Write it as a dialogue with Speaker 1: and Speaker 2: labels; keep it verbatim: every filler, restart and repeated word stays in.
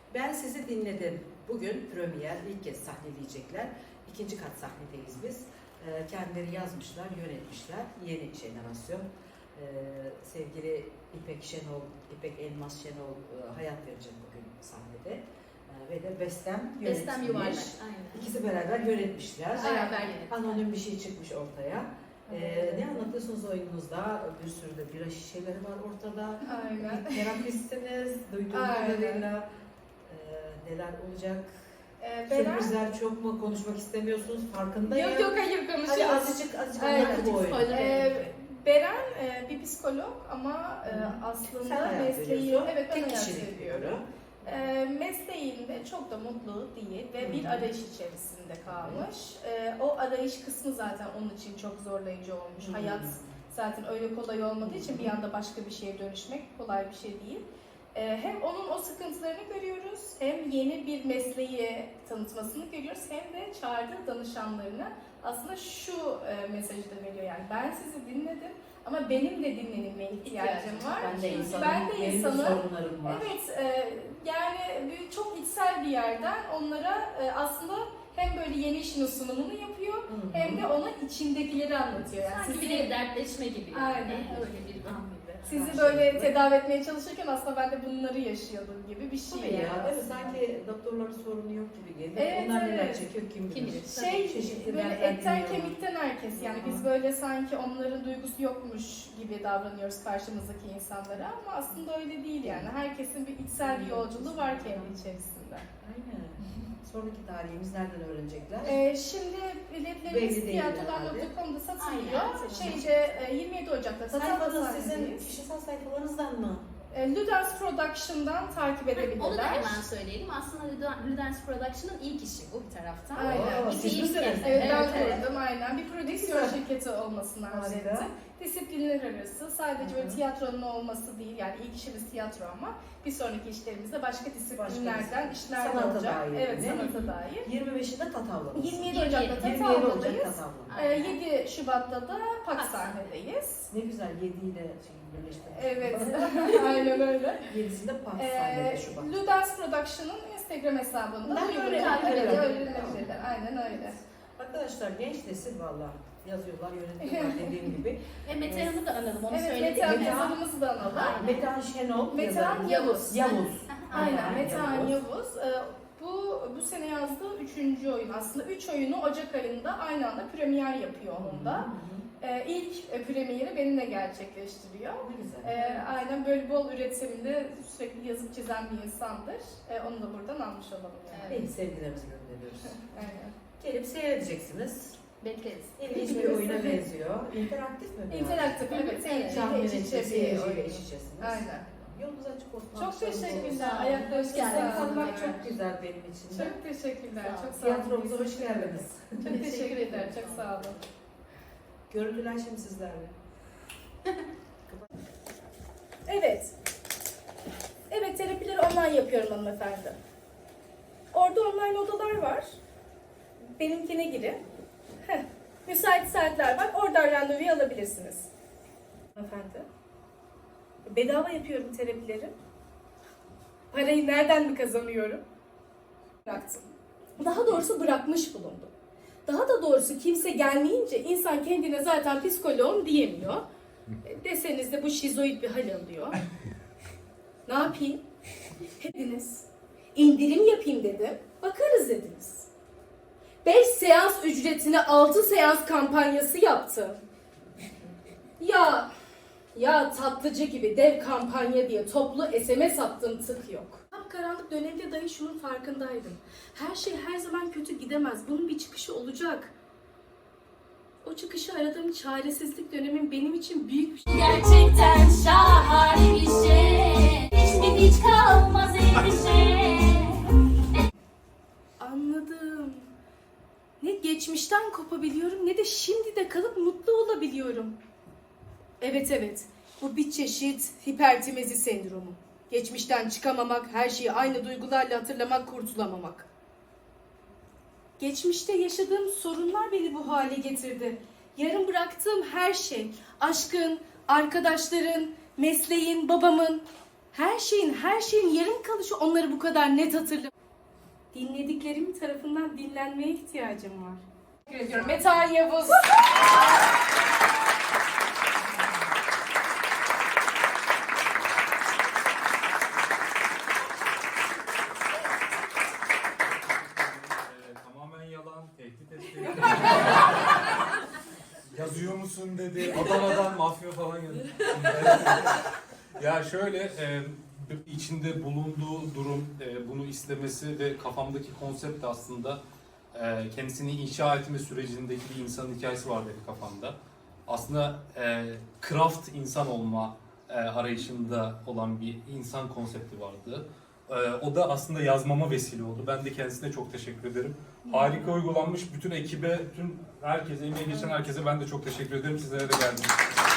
Speaker 1: Ben sizi dinledim. Bugün premier ilk kez sahneleyecekler. İkinci kat sahnedeyiz biz. Ee, kendileri yazmışlar, yönetmişler. Yeni jenerasyon. Ee, sevgili İpek Şenol, İpek Elmas Şenol e, hayat verecek bugün sahnede. Ee, ve de Bestem yönetmiş.
Speaker 2: Bestem Yuvarlak. Aynen.
Speaker 1: İkisi beraber yönetmişler.
Speaker 2: Beraber yönetmişler.
Speaker 1: Anonim bir şey çıkmış ortaya. Ee, ne anlatıyorsunuz oyununuzda? Bir sürü de bira şişeleri var ortada.
Speaker 3: Aynen.
Speaker 1: Terapistsiniz, duyduğum kadarıyla e, neler olacak?
Speaker 3: Ee, Beren,
Speaker 1: Sürprizler çok mu? Konuşmak istemiyorsunuz, farkındayım.
Speaker 3: yok yok hayır
Speaker 1: Hadi
Speaker 3: konuşuyoruz.
Speaker 1: azıcık azıcık
Speaker 3: Aynen.
Speaker 1: anlat bu oyunu.
Speaker 3: Ee, Beren e, bir psikolog ama e,
Speaker 1: Hı.
Speaker 3: aslında
Speaker 1: Sen hayat
Speaker 3: mesleği,
Speaker 1: veriyorsun.
Speaker 3: evet ben
Speaker 1: Tek
Speaker 3: hayat
Speaker 1: kişilik
Speaker 3: veriyorum.
Speaker 1: diyorum.
Speaker 3: E, mesleğinde çok da mutlu değil ve
Speaker 1: Hı.
Speaker 3: bir arayış içerisinde kalmış. E, o arayış kısmı zaten onun için çok zorlayıcı olmuş.
Speaker 1: Hı.
Speaker 3: Hayat zaten öyle kolay olmadığı için bir anda başka bir şeye dönüşmek kolay bir şey değil. Ee, Hem onun o sıkıntılarını görüyoruz, hem yeni bir mesleği tanıtmasını görüyoruz, hem de çağırdığı danışanlarına aslında şu e, mesajı da veriyor, yani ben sizi dinledim ama benim de dinlenilmeye ihtiyacım var.
Speaker 1: Ben de
Speaker 3: Çünkü
Speaker 1: insanım,
Speaker 3: ben de
Speaker 1: benim de
Speaker 3: insanım.
Speaker 1: sorunlarım var.
Speaker 3: Evet, e, yani bir, çok içsel bir yerden onlara e, aslında hem böyle yeni işin sunumunu yapıyor,
Speaker 1: Hı hı.
Speaker 3: hem de ona içindekileri anlatıyor. Yani
Speaker 2: Sanki
Speaker 3: sizi-
Speaker 2: bir dertleşme gibi. Yani.
Speaker 3: Aynen.
Speaker 2: Öyle bir an gibi.
Speaker 3: Sizi
Speaker 1: Her
Speaker 3: böyle
Speaker 1: şey.
Speaker 3: tedavi etmeye çalışırken aslında ben de bunları yaşıyordum gibi bir şey.
Speaker 1: Tabii ya,
Speaker 3: yani
Speaker 1: evet,
Speaker 3: aslında.
Speaker 1: sanki doktorların sorunu yok gibi geliyor.
Speaker 3: Evet,
Speaker 1: Onlar neler
Speaker 3: evet.
Speaker 1: çekiyor kim bilir.
Speaker 2: Kim bilir.
Speaker 3: Şey
Speaker 1: Çeşitli
Speaker 3: böyle
Speaker 1: dertler
Speaker 3: etten
Speaker 1: dinliyorlar.
Speaker 3: kemikten herkes, yani biz
Speaker 1: Hı.
Speaker 3: böyle sanki onların duygusu yokmuş gibi davranıyoruz karşımızdaki insanlara ama aslında öyle değil yani. Herkesin bir içsel bir yolculuğu var kendi içerisinde.
Speaker 1: Aynen. Sonraki tarihimiz nereden öğrenecekler?
Speaker 3: Ee, şimdi
Speaker 1: Belli
Speaker 3: biletlerimiz
Speaker 1: değil
Speaker 3: tiyatrolar
Speaker 1: herhalde.
Speaker 3: nokta com'da satılıyor.
Speaker 2: Aynen.
Speaker 3: Şeyde e, yirmi yedi Ocak'ta Tatar'da
Speaker 1: Sayfanız sizin
Speaker 3: sahnedeyiz.
Speaker 1: kişisel sayfalarınızdan mı?
Speaker 3: E, Ludens Production'dan takip edebilirler.
Speaker 2: Onu da hemen söyleyelim. Aslında Luden- Ludens Production'ın ilk işi bu bir taraftan.
Speaker 3: Aynen.
Speaker 1: Oo,
Speaker 2: İki
Speaker 1: siz
Speaker 2: ilk
Speaker 1: misiniz?
Speaker 2: kez.
Speaker 3: Evet, ben
Speaker 2: Evet, evet.
Speaker 3: kurdum aynen. Bir prodüksiyon
Speaker 1: Güzel.
Speaker 3: şirketi olmasını arzu
Speaker 1: Harika.
Speaker 3: ettim. Disiplinler arası, sadece böyle
Speaker 1: Hı hı.
Speaker 3: tiyatronun olması değil, yani ilk işimiz tiyatro ama bir sonraki işlerimizde başka disiplinlerden işler de
Speaker 1: Sanata
Speaker 3: olacak.
Speaker 1: dair,
Speaker 3: Evet,
Speaker 1: değil mi?
Speaker 3: sanata dair.
Speaker 1: yirmi beşinde Tatavla'dasınız.
Speaker 3: yirmi yedi
Speaker 2: yirmi yedi
Speaker 3: Ocak'ta
Speaker 1: yirmi yedi Ocak
Speaker 3: Tatavla'dayız.
Speaker 1: Tatavla.
Speaker 3: Ee, yedi Şubat'ta da Pak
Speaker 2: Pak
Speaker 3: sahnedeyiz.
Speaker 1: Ne güzel yedi ile şey birleştirmiş.
Speaker 3: Evet, aynen öyle.
Speaker 1: Yedisinde Pak
Speaker 3: Ee,
Speaker 1: sahnede Şubat.
Speaker 3: Ludens Production'ın Instagram hesabında
Speaker 1: Ben
Speaker 3: uygun
Speaker 1: öyle
Speaker 3: takip
Speaker 1: yapıyorum.
Speaker 3: ediyor, öğrenilebilirler. Aynen öyle.
Speaker 1: Arkadaşlar genç nesil valla yazıyorlar, yönetiyorlar dediğim gibi.
Speaker 2: Ve Mete Hanım'ı da analım. Onu
Speaker 3: Evet,
Speaker 2: söyledik.
Speaker 3: Metehan
Speaker 1: Metehan-
Speaker 3: yazarımızı da analım.
Speaker 2: Aynen.
Speaker 1: Metehan Şenol
Speaker 3: Metehan
Speaker 1: yazarı.
Speaker 3: Yavuz.
Speaker 1: Yavuz.
Speaker 3: Aynen, Metehan Yavuz. Ee, Bu bu sene yazdığı üçüncü oyun. Aslında üç oyunu Ocak ayında aynı anda premier yapıyor onun da. Ee, ilk e, premieri benimle gerçekleştiriyor.
Speaker 1: Ne güzel.
Speaker 3: Ee, aynen böyle bol üretiminde sürekli yazıp çizen bir insandır. Ee, onu da buradan almış olalım yani.
Speaker 1: İyi sevgilerimizi gönderiyoruz.
Speaker 3: Aynen.
Speaker 1: Gelip seyredeceksiniz.
Speaker 2: Bekleriz.
Speaker 1: İlginç bir oyuna benziyor. İnteraktif mi? biraz?
Speaker 3: İnteraktif, evet.
Speaker 2: Evet.
Speaker 1: Tahmin
Speaker 3: Seyirciyle iç içe
Speaker 1: edeceğiz,
Speaker 3: bir
Speaker 1: seyirciyle
Speaker 3: oyun.
Speaker 1: iç içesiniz.
Speaker 3: Aynen.
Speaker 1: Yolunuz açık olsun.
Speaker 3: Çok
Speaker 1: alkışlarınız
Speaker 3: teşekkürler.
Speaker 1: olsun.
Speaker 3: Ayaklarınızı
Speaker 2: Hoş geldiniz.
Speaker 1: Sizi
Speaker 3: sağlık.
Speaker 1: tanımak çok güzel benim için de.
Speaker 3: Çok teşekkürler.
Speaker 2: Sağ olun.
Speaker 3: Çok sağ olun.
Speaker 1: Tiyatromuza hoş geldiniz.
Speaker 3: Çok teşekkür ederim. Çok sağ olun.
Speaker 1: Görüntüler şimdi sizlerle.
Speaker 3: Evet. Evet, terapileri online yapıyorum hanımefendi. Orada online odalar var. Benimkine girin. Heh. Müsait saatler var. Oradan randevuyu alabilirsiniz. Hanımefendi. Bedava yapıyorum terapileri. Parayı nereden mi kazanıyorum? Bıraktım. Daha doğrusu bırakmış bulundum. Daha da doğrusu kimse gelmeyince insan kendine zaten psikoloğum diyemiyor. E, Deseniz de bu şizoid bir hal alıyor. Ne yapayım? Dediniz. İndirim yapayım dedim. Bakarız dediniz. Beş seans ücretine altı seans kampanyası yaptım. Ya, ya tatlıcı gibi dev kampanya diye toplu S M S attım, tık yok. Karanlık dönemde dahi şunun farkındaydım. Her şey her zaman kötü gidemez. Bunun bir çıkışı olacak. O çıkışı aradığım çaresizlik dönemin benim için büyük bir şey.
Speaker 2: Gerçekten şahane bir şey. Hiçbir hiç kalmaz endişe.
Speaker 3: Anladım. Ne geçmişten kopabiliyorum ne de şimdi de kalıp mutlu olabiliyorum. Evet evet. Bu bir çeşit hipertimezi sendromu. Geçmişten çıkamamak, her şeyi aynı duygularla hatırlamak, kurtulamamak. Geçmişte yaşadığım sorunlar beni bu hale getirdi. Yarım bıraktığım her şey, aşkın, arkadaşların, mesleğin, babamın, Her şeyin, her şeyin yarım kalışı onları bu kadar net hatırlamıyor. Dinlediklerim tarafından dinlenmeye ihtiyacım var. Teşekkür ediyorum. Metehan Yavuz.
Speaker 4: Ee, tamamen yalan, tehdit etti. Yazıyor musun dedi. Adana'dan mafya falan geldi. Ya şöyle, e, içinde bulunduğu durum, e, bunu istemesi ve kafamdaki konsept de aslında e, kendisini inşa etme sürecindeki bir insanın hikayesi var dedi kafamda. Aslında e, craft insan olma e, arayışında olan bir insan konsepti vardı. E, o da aslında yazmama vesile oldu. Ben de kendisine çok teşekkür ederim. Harika uygulanmış bütün ekibe, bütün herkese, emeği geçen herkese ben de çok teşekkür ederim. Sizlere de geldim.